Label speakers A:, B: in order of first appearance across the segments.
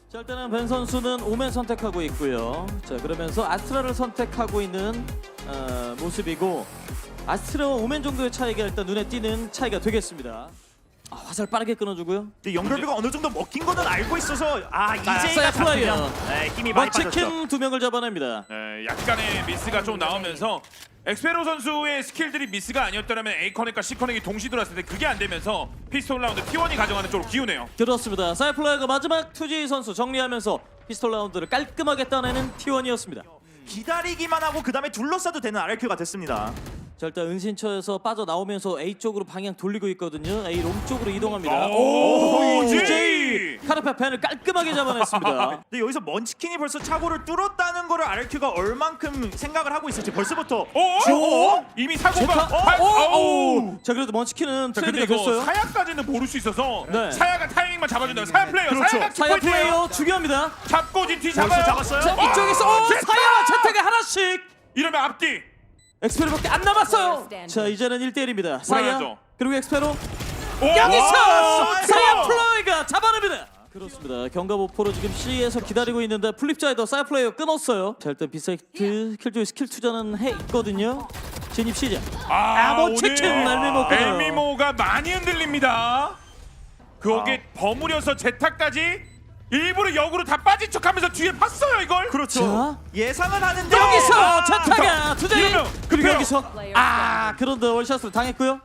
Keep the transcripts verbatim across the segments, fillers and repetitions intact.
A: 자, 일단은 벤 선수는 오멘 선택하고 있고요. 자, 그러면서 아스트라를 선택하고 있는 어, 모습이고 아스트라와 오멘 정도의 차이가 일단 눈에 띄는 차이가 되겠습니다. 아, 화살 빠르게 끊어주고요.
B: 근데 연결비가 어느 정도 먹힌 거는 알고 있어서 아 이제가
A: 사야 플라이어.
B: 잡히면 네, 힘이 많이 빠졌죠.
A: 먼치킨 두 명을 잡아냅니다.
C: 네, 약간의 미스가 좀 나오면서 엑스페로 선수의 스킬들이 미스가 아니었다면 A 커넥과 C 커넥이 동시 들어왔을 때 그게 안 되면서 피스톨 라운드 티 원이 가져가는 쪽으로 기우네요.
A: 그렇습니다. 사야 플라이어가 마지막 투지 선수 정리하면서 피스톨 라운드를 깔끔하게 따내는 티 원이었습니다.
B: 기다리기만 하고 그 다음에 둘러싸도 되는 알알큐가 됐습니다.
A: 자, 일단 은신처에서 빠져나오면서 A 쪽으로 방향 돌리고 있거든요. A 롱 쪽으로 이동합니다.
C: 오,
A: 이제이
C: 이제이!
A: 카르페 펜을 깔끔하게 잡아냈습니다.
B: 근데 여기서 먼치킨이 벌써 차고를 뚫었다는 거를 알알큐가 얼만큼 생각을 하고 있을지 벌써부터
C: 오, 오, 이미 사고가
A: 제타?
C: 발-
A: 오,
C: 오.
A: 오. 자, 그래도 먼치킨은
C: 자, 근데
A: 트레이드가
C: 이거
A: 됐어요.
C: 사야까지는 모를 수 있어서
A: 네.
C: 사야가 타이밍만 잡아준다면 사야 플레이어,
B: 그렇죠.
C: 사야가
A: 사야
C: 키포인트예요.
A: 플레이어 중요합니다.
C: 잡고 지티
B: 벌써
C: 잡아요.
B: 잡았어요?
A: 자,
C: 어,
A: 이쪽에서 오,
C: 제타!
A: 사야 제타가 하나씩.
C: 이러면 앞뒤.
A: 엑스페로밖에 안 남았어요. 자, 이제는 일 대 일입니다. 사야
C: 불안하죠.
A: 그리고 엑스페로
C: 오!
A: 여기서
C: 와,
A: 사야 플레이가 잡아냅니다. 그렇습니다. 경가보포로 지금 C에서 기다리고 있는데 플립자에도 사야 플레이어 끊었어요. 자, 일단 비사이트 킬조이 스킬 투자는 해 있거든요. 진입 시작. 아, 뭐 치킨 엘미모 끊어요.
C: 엘미모가 많이 흔들립니다. 거기에 버무려서 제타까지 일부러 역으로 다 빠진 척하면서 뒤에 봤어요 이걸.
B: 그렇죠.
A: 자.
B: 예상은 하는데
A: 여기서
C: 아,
A: 제타가 투자이
C: 이러면
A: 그리고
C: 급해요.
A: 여기서 아 그런데 월샷을 당했고요.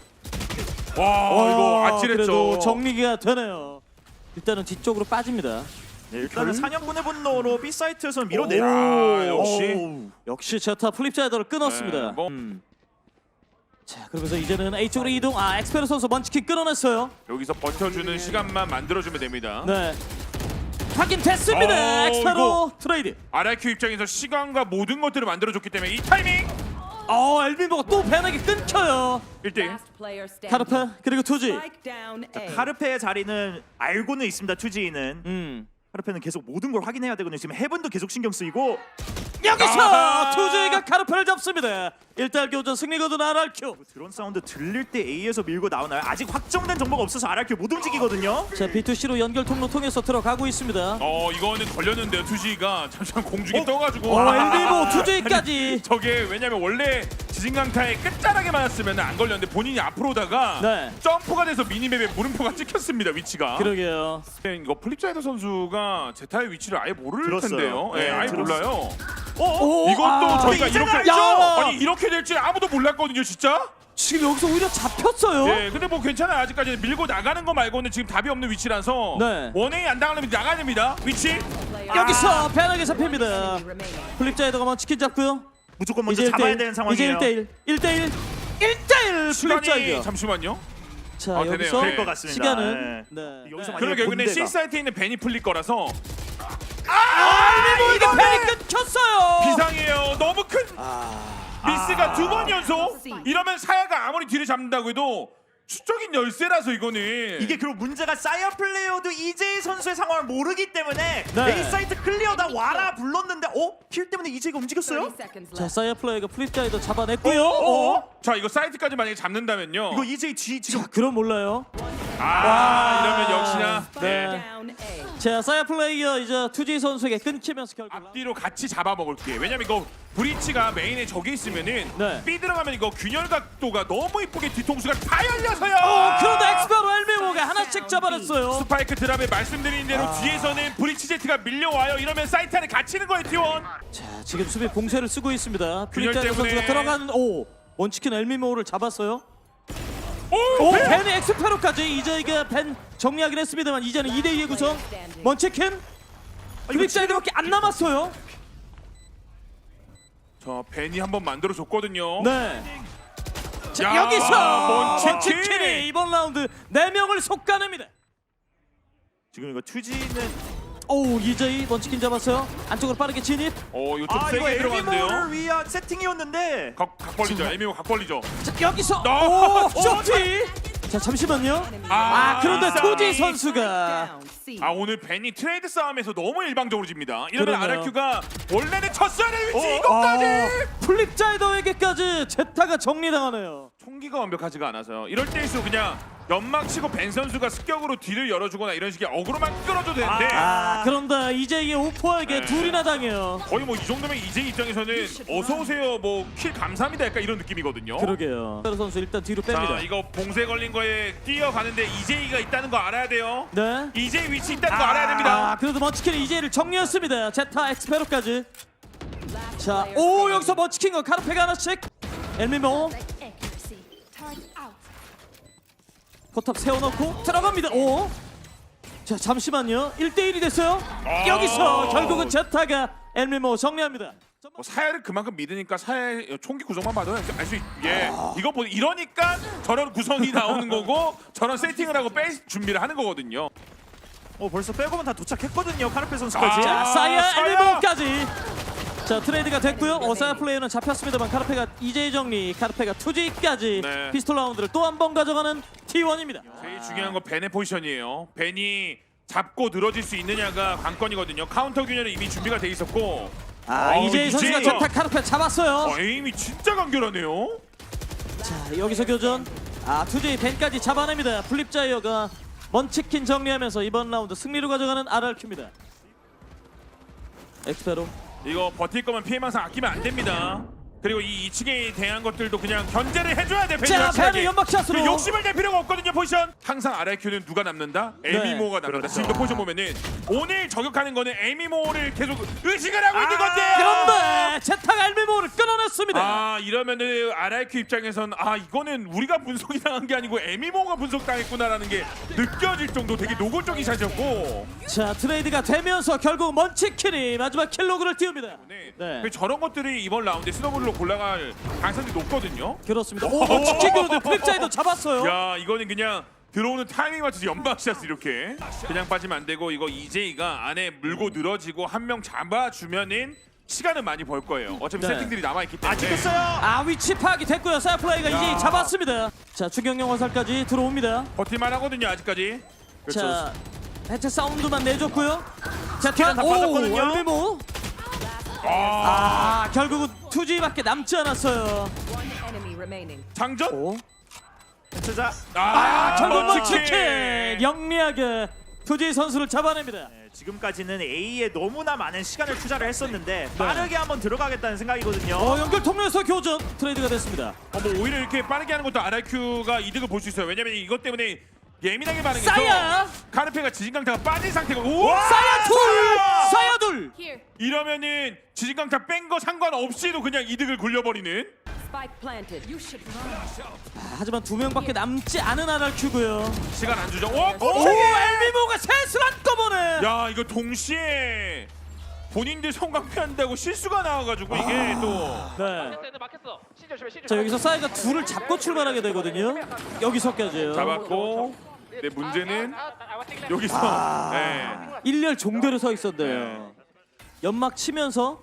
C: 와 이거
A: 와,
C: 아찔했죠.
A: 그래도 정리가 되네요. 일단은 뒤쪽으로 빠집니다.
B: 네, 일단은 사냥꾼의 분노로 B 사이트에서 밀어내요.
C: 아, 역시.
B: 오우.
A: 역시 제타 플립자이더를 끊었습니다.
C: 네, 뭐.
A: 음. 자, 그러면서 이제는 A 쪽으로 이동. 아, 엑스페르 선수 먼치킨 끊어냈어요.
C: 여기서 버텨주는 시간만 만들어주면 됩니다.
A: 네. 확인됐습니다.
C: 어,
A: 엑스페로
C: 이거.
A: 트레이드.
C: 알알큐 입장에서 시간과 모든 것들을 만들어줬기 때문에 이 타이밍
A: 어, 엘빈보가 또 배나게 끊겨요.
C: 일 대 일.
A: 카르페 그리고 투지.
B: 카르페의 자리는 알고는 있습니다. 투지는
A: 음.
B: 카르페는 계속 모든 걸 확인해야 되거든요. 지금 헤븐도 계속 신경 쓰이고
A: 여기서
C: 아하!
A: 투지가 카르페를 잡습니다. 일 대 일 교전 승리거든 알알큐.
B: 드론 사운드 들릴 때 A에서 밀고 나오나요? 아직 확정된 정보가 없어서 알알큐 못 움직이거든요.
A: 자, 비투씨로 연결 통로 통해서 들어가고 있습니다.
C: 어 이거는 걸렸는데요. 투지가 잠시만 공중에 떠가지고.
A: 어, 엘빈보 투지까지.
C: 저게 왜냐면 원래 지진강타의 끝자락에 맞았으면 안 걸렸는데 본인이 앞으로 오다가
A: 네.
C: 점프가 돼서 미니맵에 물음표가 찍혔습니다 위치가.
A: 그러게요.
C: 이거 플립자이더 선수가 제타의 위치를 아예 모를
B: 들었어요.
C: 텐데요. 예,
B: 네,
C: 아예
B: 들었어요.
C: 몰라요.
B: 어?
A: 오,
C: 이것도
A: 아,
C: 저희가
B: 이제는
C: 이렇게
B: 알죠?
C: 아니 이렇게 될지 아무도 몰랐거든요 진짜.
A: 지금 여기서 오히려 잡혔어요.
C: 네, 근데 뭐 괜찮아요. 아직까지는 밀고 나가는 거 말고는 지금 답이 없는 위치라서
A: 네.
C: 원행이 안 당하려면 나가야 됩니다. 위치.
A: 여기서 배나게 잡힙니다. 플립자이더가 먼치킨 잡고요.
B: 무조건 먼저
A: 이제
B: 잡아야
A: 일 대 일.
B: 되는 상황이에요.
A: 이제 일 대 일. 일 대 일. 일 대 일
C: 시간이
A: 플립자이더.
C: 잠시만요.
A: 자,
C: 아, 되네요.
A: 여기서
C: 될
B: 될 것 같습니다.
A: 시간은
B: 네.
A: 네.
B: 여기서
A: 네.
B: 만약에
C: 그러게 근데
B: 본대가.
C: C 사이트에 있는 벤이 풀릴 거라서
A: 아, 이거 이거 벤이 끊겼어요.
C: 비상이에요. 너무 큰 미스가
B: 아.
C: 두 번 연속. 이러면 사야가 아무리 뒤를 잡는다고 해도 수적인 열세라서 이거는
B: 이게 그리고 문제가 사이어 플레이어도 이제이 선수의 상황을 모르기 때문에
A: 네.
B: A 사이트 클리어다 와라 불렀는데 어? 킬 때문에 이제이가 움직였어요?
A: 자, 사이어 플레이가 플립자이더 잡아냈고요.
C: 어?
A: 어?
C: 자 이거 사이트까지 만약에 잡는다면요.
B: 이거 이제이 G 지금
A: 자, 그럼 몰라요.
C: 아 이러면 역시나
A: 네. 자, 사이어 플레이어 이제 투지 선수에게 끊기면서 결국
C: 앞뒤로 같이 잡아먹을게. 왜냐면 이거 브리치가 메인에 저기 있으면은
A: 네.
C: B 들어가면 이거 균열 각도가 너무 이쁘게 뒤통수가 다 열려서요.
A: 어, 그런데 엑스페로 엘미모가 하나씩 잡아냈어요.
C: 스파이크 드랍에 말씀드린 대로
A: 아.
C: 뒤에서는 브리치 제트가 밀려와요. 이러면 사이트 안에 갇히는 거예요 티원.
A: 자, 지금 수비 봉쇄를 쓰고 있습니다.
C: 균열
A: 플립자이더
C: 때문에.
A: 선수가 들어가는 오 먼치킨 엘미모를 잡았어요.
C: 오,
A: 오,
C: 벤!
A: 벤이 엑스페로까지 이제 이게 벤 정리하긴 했습니다만 이제는 이 대 이의 구성. 먼치킨 플립자이더밖에 안 남았어요.
C: 자 벤이 한번 만들어 줬거든요.
A: 네. 자,
C: 야,
A: 여기서
C: 먼치킨!
A: 먼치킨이 이번 라운드 네 명을 속가냅니다.
B: 지금 이거 투지는
A: 오, 이제이 먼치킨 잡았어요. 안쪽으로 빠르게 진입.
C: 어 이거 좀
B: 아 이거
C: 세게 들어갔는데요.
B: 엘미모를 위한 세팅이었는데
C: 각, 각 벌리죠. 에미오 각 벌리죠.
A: 자, 여기서
C: 너!
A: 오, 쇼티. 자, 잠시만요.
C: 아,
A: 아, 그런데
C: 이상이.
A: 투지 선수가
C: 아 오늘 벤이 트레이드 싸움에서 너무 일방적으로 집니다. 이러면
A: 그러네요.
C: 알알큐가 원래는 쳤어야 될 위치
B: 어,
C: 이것까지.
A: 아, 플립자이더에게까지 제타가 정리당하네요.
C: 총기가 완벽하지가 않아서요. 이럴 때일수록 그냥 연막 치고 벤 선수가 습격으로 뒤를 열어주거나 이런 식의 어그로만 끌어줘도 되는데
A: 아, 그런데 이제이의 오퍼에게
C: 네.
A: 둘이나 당해요.
C: 거의 뭐 이 정도면 이제 입장에서는 어서 오세요 뭐 킬 감사합니다 약간 이런 느낌이거든요.
A: 그러게요. 페로 선수 일단 뒤로 뺍니다.
C: 자 이거 봉쇄 걸린 거에 뛰어가는데 이제이가 있다는 거 알아야 돼요.
A: 네.
C: 이제이 위치 있다는 거 알아야 됩니다.
A: 아, 그래도 먼치킨이 이제이를 정리했습니다. 제타 엑스페로까지. 자, 오 여기서 먼치킨과 카르페가 하나씩. 엘미모 포탑 세워놓고 들어갑니다. 오. 자 잠시만요. 일 대 일이 됐어요.
C: 아.
A: 여기서 결국은 제타가 엘미모 정리합니다.
C: 뭐 사야를 그만큼 믿으니까 사야 총기 구성만 봐도 알 수 있. 예, 이거 보 이러니까 저런 구성이 나오는 거고 저런 세팅을 하고 뺄 준비를 하는 거거든요.
B: 어 벌써 백업은 다 도착했거든요. 카르페 선수까지.
C: 아.
A: 자 사이아
C: 사야!
A: 엘미모까지. 자 트레이드가 됐고요. 어사야 플레이어는 잡혔습니다만 카르페가 이제이 정리, 카르페가 투지까지
C: 네.
A: 피스톨 라운드를 또 한 번 가져가는 티 원입니다.
C: 제일 중요한 건 벤의 포지션이에요. 벤이 잡고 늘어질 수 있느냐가 관건이거든요. 카운터 균열은 이미 준비가 돼 있었고.
A: 아
C: 어우,
A: 이제이 선수가
C: 이제이가-
A: 제타 카르페 잡았어요.
C: 어, 에임이 진짜 간결하네요.
A: 자 여기서 교전. 아 투제이 벤까지 잡아냅니다. 플립자이어가 먼치킨 정리하면서 이번 라운드 승리로 가져가는 알알큐입니다. 엑스페로.
C: 이거 버틸 거면 피해망상 아끼면 안 됩니다. 그리고 이 이 층에 대한 것들도 그냥 견제를 해줘야 돼.
A: 자 벤이 연막샷으로.
C: 그리고 욕심을 낼 필요가 없거든요. 포지션. 항상 알알큐는 누가 남는다? 에미모가 남는다.
B: 그렇죠.
C: 지금도 포지션 보면은 오늘 저격하는 거는 에미모를 계속 의식을 하고 있는 건데.
A: 그런데 제타가 엘미모를 끊어냈습니다.
C: 아 이러면은 알알큐 입장에선 아 이거는 우리가 분석이 당한 게 아니고 에미모가 분석당했구나라는 게 느껴질 정도 되게 노골적인 샷이었고.
A: 자 트레이드가 되면서 결국 먼치킨이 마지막 킬로그를 띄웁니다.
C: 네.
A: 네.
C: 그 저런 것들이 이번 라운드에 스노볼로 골라갈 가능성이 높거든요.
A: 그렇습니다. 오 먼치킨 그런데 플립자이도 잡았어요.
C: 야 이거는 그냥 들어오는 타이밍 맞춰서 연막샷 이렇게 그냥 빠지면 안 되고 이거 이제이가 안에 물고 늘어지고 한 명 잡아주면은 시간은 많이 벌 거예요. 어차피
A: 네.
C: 세팅들이 남아있기 때문에.
B: 아 찍혔어요.
A: 아 위치 파악이 됐고요. 사이플레이가
C: 야.
A: 이제 잡았습니다. 자 추경영 화살까지 들어옵니다.
C: 버틸만 하거든요 아직까지.
A: 자 해체 사운드만 내줬고요. 자
B: 스킬은 다
A: 오
B: 빠졌거든요.
A: 엘미모.
C: 아,
A: 아 결국은 투지밖에 남지 않았어요.
D: One enemy remaining.
C: 장전?
A: 오.
B: 진짜.
C: 아,
A: 결국
C: 먼치킨!
A: 먼치킨 영리하게 투지 선수를 잡아냅니다.
B: 네, 지금까지는 A에 너무나 많은 시간을 투자를 했었는데 빠르게 한번 들어가겠다는 생각이거든요.
A: 어 연결 통로에서 교전 트레이드가 됐습니다.
C: 어, 뭐 오히려 이렇게 빠르게 하는 것도 알알큐가 이득을 볼 수 있어요. 왜냐면 이것 때문에 예민하게 반응해서
A: 싸야!
C: 카르페가 지진강타가 빠진 상태고 오!
A: 사야 둘, 사야 둘.
D: Here.
C: 이러면은 지진강타 뺀 거 상관없이도 그냥 이득을 굴려버리는.
D: Spike planted. You should run.
A: 아, 하지만 두 명밖에 남지 않은 알알큐고요.
C: 시간 안 주죠. 오!
A: 오
C: 오!
A: 엘미모가 셋을 한꺼번에.
C: 야 이거 동시에 본인들 성광패한다고 실수가 나와가지고 이게 또
A: 네. 자 여기서 사이가 둘을 잡고 출발하게 되거든요. 여기서까지예요.
C: 잡았고 내 문제는 여기서 네.
A: 일렬 종대로 서 있었네요. 연막 치면서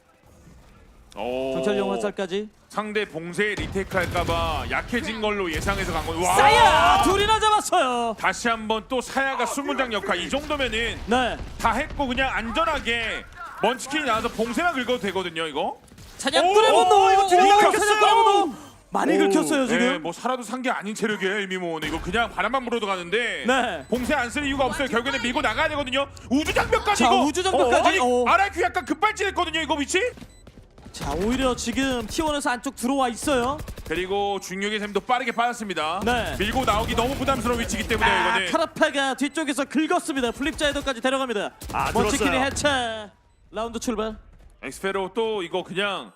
C: 오.
A: 경찰용 화살까지.
C: 상대 봉쇄 리테이크할까봐 약해진 걸로 예상해서 간 거예요. 와!
A: 사야 둘이나 잡았어요.
C: 다시 한번 또 사야가 수문장 역할 이 정도면은
A: 네.
C: 다 했고 그냥 안전하게 먼치킨이 나와서 봉쇄만 긁어도 되거든요 이거.
A: 사냥꾼의
B: 오,
A: 분노.
B: 이거 뒤로
A: 오,
B: 긁혔어요.
A: 사냥꾼의 분노. 많이 긁혔어요 지금.
C: 네, 뭐 살아도 산 게 아닌 체력이에요 일미모는. 이거 그냥 바람만 불어도 가는데
A: 네.
C: 봉쇄 안 쓸 이유가 없어요. 결국에는 밀고 나가야 되거든요. 우주장벽까지
A: 자,
C: 이거.
A: 우주장벽까지.
C: 아니
A: 어.
C: 아라큐 약간 급발진했거든요 이거 위치.
A: 자 오히려 지금 티원에서 안쪽 들어와 있어요.
C: 그리고 중력의 샘도 빠르게 빠졌습니다.
A: 네.
C: 밀고 나오기 너무 부담스러운 위치이기 때문에
A: 아,
C: 이거는.
A: 카라페가 뒤쪽에서 긁었습니다. 플립자이더까지 데려갑니다.
B: 아,
A: 먼치킨이
B: 들었어요.
A: 해체. 라운드 출발.
C: 엑스페로 또 이거 그냥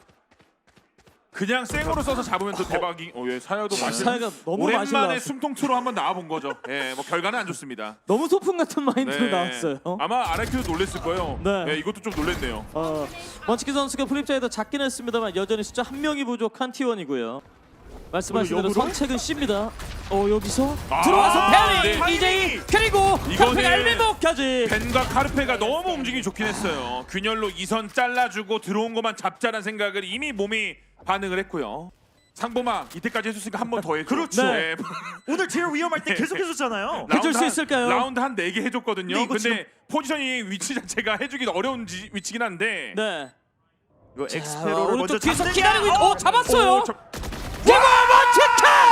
C: 그냥 생으로 써서 잡으면 또 대박이. 어, 예, 사야도 맛있.
A: 사야가 너무 맛이
C: 오랜만에
A: 나왔어요.
C: 숨통투로 한번 나와본 거죠. 예, 뭐 결과는 안 좋습니다.
A: 너무 소품 같은 마인드로
C: 네.
A: 나왔어요.
C: 아마 아라큐도 놀랬을 거예요.
A: 네.
C: 예, 이것도 좀 놀랬네요.
A: 어, 먼치킨 선수가 플립자이더 작긴 했습니다만 여전히 숫자 한 명이 부족한 티원이고요. 말씀하신 대로
B: 역으로?
A: 선책은 C입니다. 어 여기서
C: 아,
A: 들어와서 페리
C: 네.
A: 이제이 그리고
C: 이거는
A: 카페가 엘미모까지.
C: 벤과 카르페가 너무 움직임이 좋긴 했어요. 균열로 이선 잘라주고 들어온 것만 잡자라는 생각을 이미 몸이 반응을 했고요. 상보마 이때까지 해줬으니까 한 번 더 해줘.
B: 그렇죠.
C: 네.
B: 오늘 딜 위험할 때 계속 해줬잖아요.
A: 해줄 수
C: 라운드 한-
A: 있을까요?
C: 라운드 한 네 개 해줬거든요.
B: 근데
C: 근데,
B: 이거
C: 포지션이 위치 자체가 해주기 어려운 지, 위치긴 한데.
A: 네.
B: 이거
A: 자,
B: 엑스페로를 먼저
A: 오른쪽 뒤에서
B: 잡느냐?
A: 기다리고 있.
B: 어!
A: 오 잡았어요.
C: 오, 저-
A: 그리고 먼치킨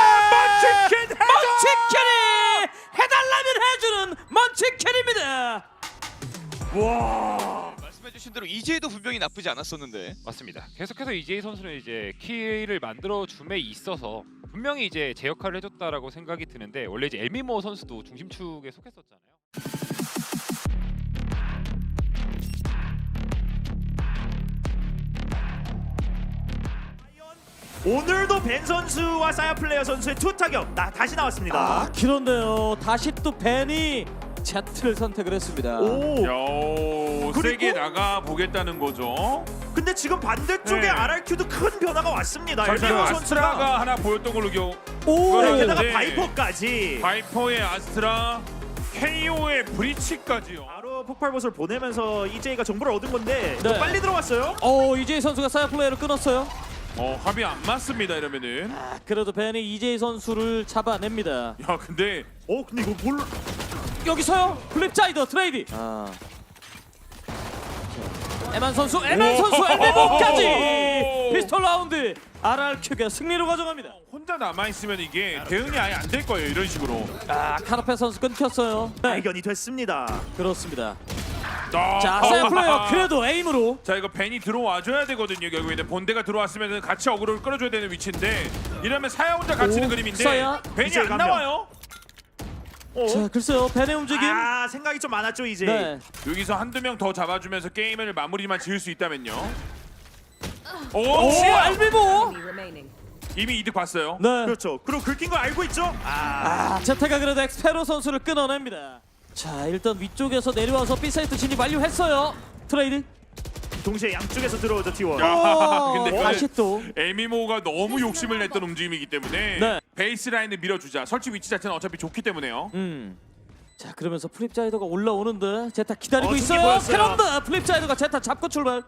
C: 먼치킨 해줘!
A: 먼치킨이 해달라면 해주는 먼치킨입니다.
E: 말씀해주신 대로 이제이도 분명히 나쁘지 않았었는데.
F: 맞습니다. 계속해서 이제이 선수는 이제 키를 만들어 줌에 있어서 분명히 이제 제 역할을 해줬다라고 생각이 드는데 원래 이제 엘미모 선수도 중심축에 속했었잖아요.
B: 오늘도 벤 선수와 사야 플레이어 선수의 투 타격 나 다시 나왔습니다.
A: 아 그런데요 다시 또 벤이 Z를 선택을 했습니다.
B: 오.
C: 야,
B: 그리고-
C: 세게 나가 보겠다는 거죠.
B: 근데 지금 반대쪽에
C: 네.
B: 알알큐도 큰 변화가 왔습니다.
C: 절대
B: 엘미모 선수가
C: 아스트라가 하나 보였던 걸로 기억.
A: 오
B: 네,
C: 그러네.
B: 게다가
C: 네.
B: 바이퍼까지
C: 바이퍼의 아스트라, 케이오의 브리치까지요.
B: 바로 폭발봇을 보내면서 이제이가 정보를 얻은 건데
A: 네.
B: 또 빨리 들어왔어요.
A: 오 이제이 선수가 사이아 플레이를 끊었어요.
C: 어, 합이 안 맞습니다 이러면은.
A: 아, 그래도 벤이 이제이 선수를 잡아냅니다.
C: 야, 근데
B: 어 근데 이거 뭘
A: 여기서요 플립자이더 트레이디. 아. 자, 에만 선수 에만 선수 엘미모까지 피스톨 라운드 알알큐가 승리로 가져갑니다.
C: 혼자 남아 있으면 이게 대응이 아예 안 될 거예요 이런 식으로.
A: 아 카르페 선수 끊겼어요. 네
B: 발견이 됐습니다.
A: 그렇습니다.
C: 아,
A: 자 사이아 플레이어 그래도 에임으로
C: 자 이거 벤이 들어와 줘야 되거든요. 결국에는 본대가 들어왔으면 같이 어그로를 끌어줘야 되는 위치인데 이러면 사야 혼자 갇히는
A: 오,
C: 그림인데
A: 사야.
C: 벤이
B: 이제
C: 안
B: 감명.
C: 나와요.
B: 어?
A: 자 글쎄요 벤의 움직임.
B: 아 생각이 좀 많았죠 이제.
A: 네.
C: 여기서 한두 명 더 잡아주면서 게임을 마무리만 지을 수 있다면요. 오,
A: 오
C: 시야!
A: 엘미모.
D: Enemy remaining.
C: 이미 이득 봤어요.
A: 네.
B: 그렇죠. 그리고 긁힌 거 알고 있죠? 아
A: 아 제타가 그래도 엑스페로 선수를 끊어냅니다. 자 일단 위쪽에서 내려와서 B 사이트 진입 완료했어요. 트레이드.
B: 동시에 양쪽에서 들어오죠 티원.
C: 야.
A: 오,
C: 근데 그걸-
A: 다시 또.
C: 에미모가 너무 욕심을 냈던 움직임이기 때문에
A: 네.
C: 베이스 라인을 밀어주자. 설치 위치 자체는 어차피 좋기 때문에요.
A: 음. 자 그러면서 플립자이더가 올라오는데 제타 기다리고
B: 어, 승리
A: 있어요.
B: 보였어요.
A: 그런데 플립자이더가 제타 잡고 출발.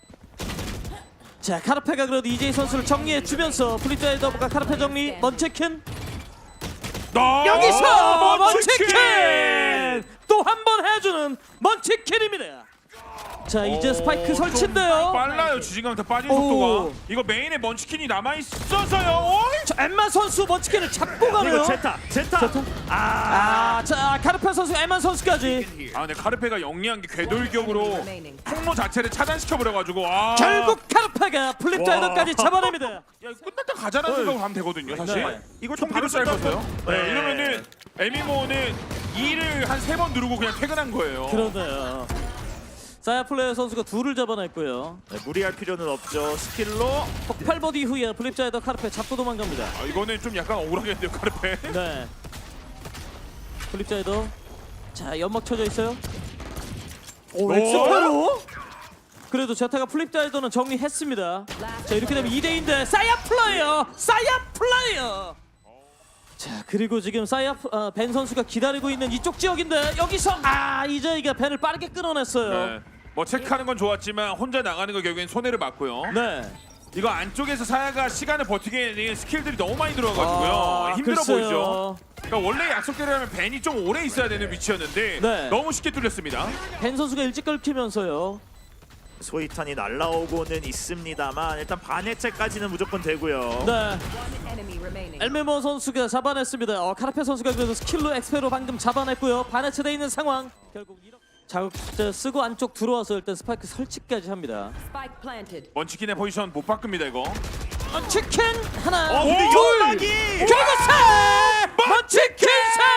A: 자 카르페가 그래도 이제이 선수를 정리해 주면서 플립자이더가 카르페 정리. 먼치킨
C: 나
A: 여기서 먼치킨 또 한 번 해주는 먼치킨입니다. 자 이제 스파이크 설치인데요.
C: 빨라요. 지진강타 빠진
A: 오.
C: 속도가. 이거 메인에 먼치킨이 남아 있어서요. 어이?
A: 자 엠마 선수 먼치킨을 잡고 가네요.
B: 이거 제타 제타.
A: 제타?
B: 아.
A: 아자 카르페 선수 엠마 선수까지
C: 아 근데 카르페가 영리한 게 궤돌격으로
D: remaining.
C: 통로 자체를 차단시켜 버려가지고 아.
A: 결국 카르페가 플립자이더까지 잡아냅니다.
C: 야 이거 끝났다 가자라는 생각으로 가면 되거든요 사실.
A: 네.
B: 이걸 또
C: 총기로
B: 바로
C: 쌀 거서요.
B: 쏜다.
C: 네.
B: 네.
C: 이러면은 에미모는 이를 한 세 번 누르고 그냥 퇴근한 거예요.
A: 그러네요. 사야 플레이어 선수가 둘을 잡아냈고요.
B: 네, 무리할 필요는 없죠. 스킬로
A: 폭발 버디 후에 플립자이더 카르페 잡고 도망갑니다.
C: 아, 이거는 좀 약간 억울하겠는데요 카르페.
A: 네. 플립자이더. 자 연막 쳐져 있어요. 오 엑스페로. 그래도 제타가 플립자이더는 정리했습니다. 자 이렇게 되면 이 대인데 사야 플레이어, 사야 플레이어. 자 그리고 지금 사야 어, 벤 선수가 기다리고 있는 이쪽 지역인데 여기서 아 이제이가 벤을 빠르게 끊어냈어요.
C: 네. 뭐 체크하는 건 좋았지만 혼자 나가는 거 결국엔 손해를 봤고요.
A: 네.
C: 이거 안쪽에서 사야가 시간을 버티게 되는 스킬들이 너무 많이 들어가지고요.
A: 아,
C: 힘들어
A: 글쎄요.
C: 보이죠. 그러니까 원래 약속대로라면 벤이 좀 오래 있어야 되는 위치였는데
A: 네.
C: 너무 쉽게 뚫렸습니다.
A: 벤 선수가 일찍 끊기면서요.
B: 소이탄이 날라오고는 있습니다만 일단 반해체까지는 무조건 되고요.
A: 네.
D: One enemy remaining.
A: 엘메모 선수가 잡아냈습니다. 어, 카르페 선수가 그래도 스킬로 엑스페로 방금 잡아냈고요. 반해체돼 있는 상황. 결국 이렇게 자극제 쓰고 안쪽 들어와서 일단 스파이크 설치까지 합니다.
D: Spike planted.
C: 먼치킨의 포지션 못 바꿉니다 이거.
A: 어, 치킨 하나,
B: 어 근데
A: 둘,
B: 연막이
A: 결국 셋! 먼치킨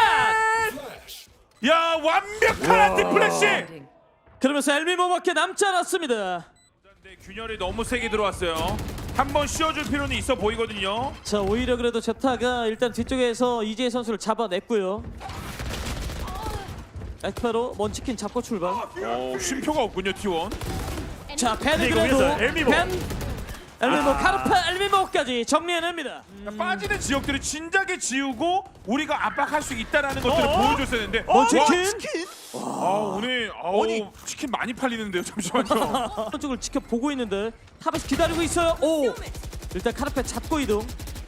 A: 셋!
C: 야 완벽한 안티 플래시.
D: Planting.
A: 그러면서 엘미모밖에 남지 않았습니다.
C: 근데 균열이 너무 세게 들어왔어요. 한 번 씌워줄 필요는 있어 보이거든요.
A: 자 오히려 그래도 제타가 일단 뒤쪽에서 이재희 선수를 잡아냈고요. 엑스페로 먼치킨 잡고 출발.
C: 어 쉼표가 없군요 티원.
A: 자 벤은
B: 이거
A: 그래도
B: 위에서 엘미모.
A: 벤 엘미모 카르페 엘미모까지 정리해냅니다.
C: 그러니까 빠지는 지역들을 진작에 지우고 우리가 압박할 수 있다라는 것들을
B: 어?
C: 보여줬었는데
B: 어,
A: 치킨?
B: 치킨?
C: 아 오늘 아우
B: 아니.
C: 치킨 많이 팔리는데요 잠시만요.
A: 쪽을 지켜보고 있는데 탑에서 기다리고 있어요. 오 일단 카르페 잡고 이동.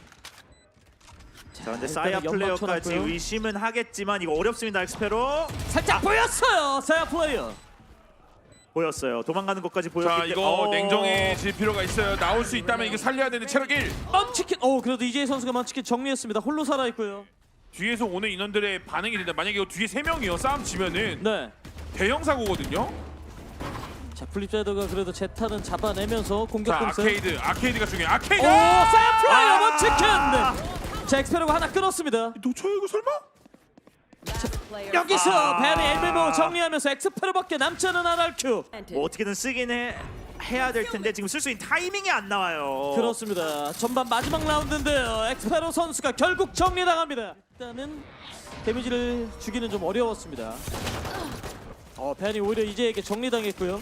B: 자 근데
A: 일단은
B: 사야
A: 연막
B: 플레이어까지
A: 쳐놨고요.
B: 의심은 하겠지만 이거 어렵습니다 엑스페로.
A: 살짝 보였어요 사야 플레이어.
B: 보였어요. 도망가는 것까지 보였기
C: 자
B: 때문에.
C: 이거
B: 어.
C: 냉정해질 필요가 있어요. 나올 수 있다면 이거 살려야 되는 체력 일.
A: 먼치킨. 오 그래도 이재희 선수가 먼치킨 정리했습니다. 홀로 살아 있고요.
C: 뒤에서 오는 인원들의 반응이 된다. 만약에 이거 뒤에 세 명이요 싸움 지면은
A: 네.
C: 대형 사고거든요.
A: 자 플립자이더가 그래도 제타는 잡아내면서 공격
C: 자
A: 공세.
C: 아케이드 아케이드가 중요해. 아케이드.
A: 오 사이플라이어
B: 아!
A: 먼치킨. 네. 자 엑스페로가 하나 끊었습니다.
C: 놓쳐요 이거 설마?
D: Last player
A: 여기서
B: 아.
A: 벤이 엘메모 정리하면서 엑스페로밖에 남지 않은 알알큐.
D: planted.
B: 뭐 어떻게든 쓰긴 해, 해야 될 텐데 지금 쓸 수 있는 타이밍이 안 나와요.
A: 그렇습니다. 전반 마지막 라운드인데요. 엑스페로 선수가 결국 정리당합니다. 일단은 데미지를 주기는 좀 어려웠습니다. 어, 벤이 오히려 이제에게 정리당했고요.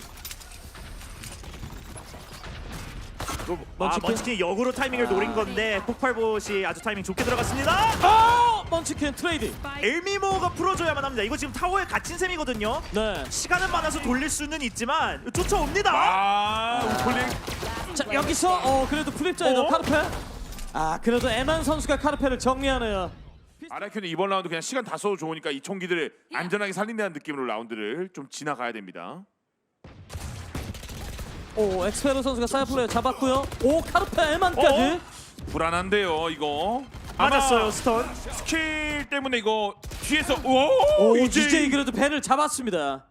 B: 아,
A: 먼치킨.
B: 먼치킨이 역으로 타이밍을 노린 건데 폭발봇이 아주 타이밍 좋게 들어갔습니다.
A: 어! 먼치킨 트레이드.
B: 엘미모가 풀어줘야만 합니다. 이거 지금 타워에 갇힌 셈이거든요.
A: 네.
B: 시간은 많아서 돌릴 수는 있지만 쫓아옵니다.
C: 아 우클릭.
A: 자 여기서 어 그래도 플립자이더
B: 어?
A: 카르페. 아 그래도 에만 선수가 카르페를 정리하네요.
C: 아라큐는 이번 라운드 그냥 시간 다 써도 좋으니까 이 총기들을 안전하게 살린다는 느낌으로 라운드를 좀 지나가야 됩니다.
A: 오 엑스페로 선수가 사이플레이어 잡았고요. 오 카르페 에만까지.
B: 어?
C: 불안한데요 이거.
B: 맞았어요
C: 아마
B: 스턴.
C: 스킬 때문에 이거 뒤에서 오,
A: 오
C: 이제
A: 이제이 그래도 벤을 잡았습니다.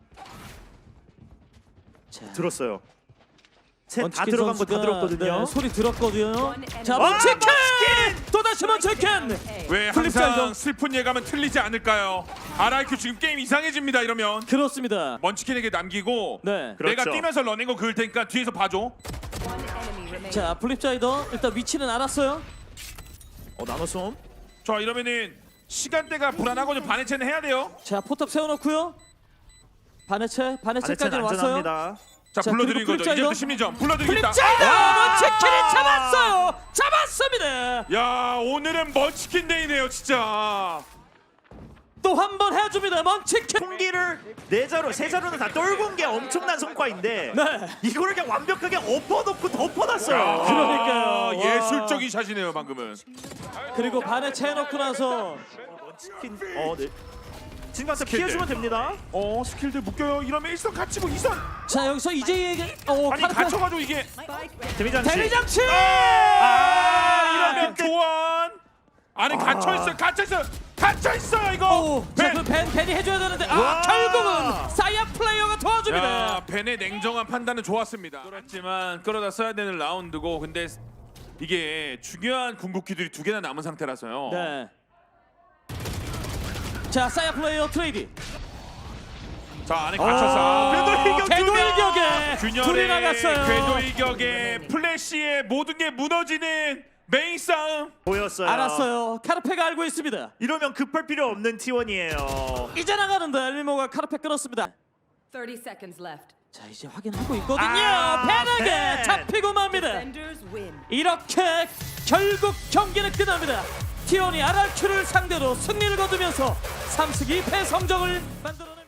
A: 자.
B: 들었어요. 셋 다
A: 먼치킨
B: 들어간 거 다
A: 선수가,
B: 들었거든요.
A: 네, 소리 들었거든요. 자
D: 와,
A: 먼치킨
B: 먼치킨!
A: 또다시 먼치킨.
D: A.
C: 왜
A: 플립사이드.
C: 항상 슬픈 예감은 틀리지 않을까요? 아라큐 지금 게임 이상해집니다 이러면.
A: 그렇습니다.
C: 먼치킨에게 남기고
A: 네.
C: 내가
B: 그렇죠.
C: 뛰면서 러닝거 그을 테니까 뒤에서 봐줘.
D: One enemy remaining.
A: 자 플립자이더 일단 위치는 알았어요.
B: 어 나노솜.
C: 자 이러면은 시간대가 불안하거든요. 반해체는 해야 돼요.
A: 자 포탑 세워놓고요. 반해체 반해체까지
B: 반해체는
A: 왔어요.
B: 안전합니다.
C: 자,
A: 자,
C: 불러드린
A: 그리고
C: 거죠.
A: 플립자이더.
C: 이제부터 심리전 불러드리겠다.
A: 플립자이더
B: 아!
A: 먼치킨이 잡았어요. 잡았습니다.
C: 야 오늘은 먼치킨 데이네요 진짜.
A: 또 한 번 해줍니다. 먼치킨.
B: 총기를 네 자루, 세 자루는 다 떨군 게 엄청난 성과인데
A: 네.
B: 이거를 그냥 완벽하게 엎어놓고 덮어놨어요.
A: 그러니까요.
C: 아,
A: 와.
C: 예술적인 샷이네요 방금은.
A: 그리고 반해체 해놓고 나서
B: 킨, 어, 네. 진가서 피해주면 됩니다.
C: 어 스킬들 묶여요. 이러면 일선 갇히고 이선.
A: 자 여기서 이제이에게 어
C: 아니
A: 카르페
C: 갇혀가지고 이게.
B: 데미장치.
A: 데미장치.
C: 아 이러면
B: 근데-
C: 교환. 안에 갇혀 있어. 갇혀 있어. 갇혀 있어요 이거.
A: 오, 자, 그 벤, 벤이 해줘야 되는데 아
B: 와.
A: 결국은 사이아 플레이어가 도와줍니다.
C: 야, 벤의 냉정한 판단은 좋았습니다. 그렇지만 끌어다 써야 되는 라운드고 근데 이게 중요한 궁극기들이 두 개나 남은 상태라서요.
A: 네. 자 사이아 플레이어 트레이드.
C: 자 안에 갇혀서
B: 궤도 일격 두
A: 궤도
B: 명.
A: 일격에 둘이
C: 균열의
A: 나갔어요.
C: 궤도 일격에 플래시의 모든 게 무너지는 메인 싸움.
B: 보였어요.
A: 알았어요. 카르페가 알고 있습니다.
B: 이러면 급할 필요 없는 티원이에요.
A: 이제 나가는데 엘미모가 카르페 끊었습니다.
D: thirty seconds left.
A: 자 이제 확인하고 있거든요.
B: 아,
A: 벤에게
B: 벤.
A: 잡히고 맙니다.
D: Defenders win.
A: 이렇게 결국 경기는 끝납니다. 티원이 알알큐를 상대로 승리를 거두면서 삼 승 이 패 성적을 만들어내.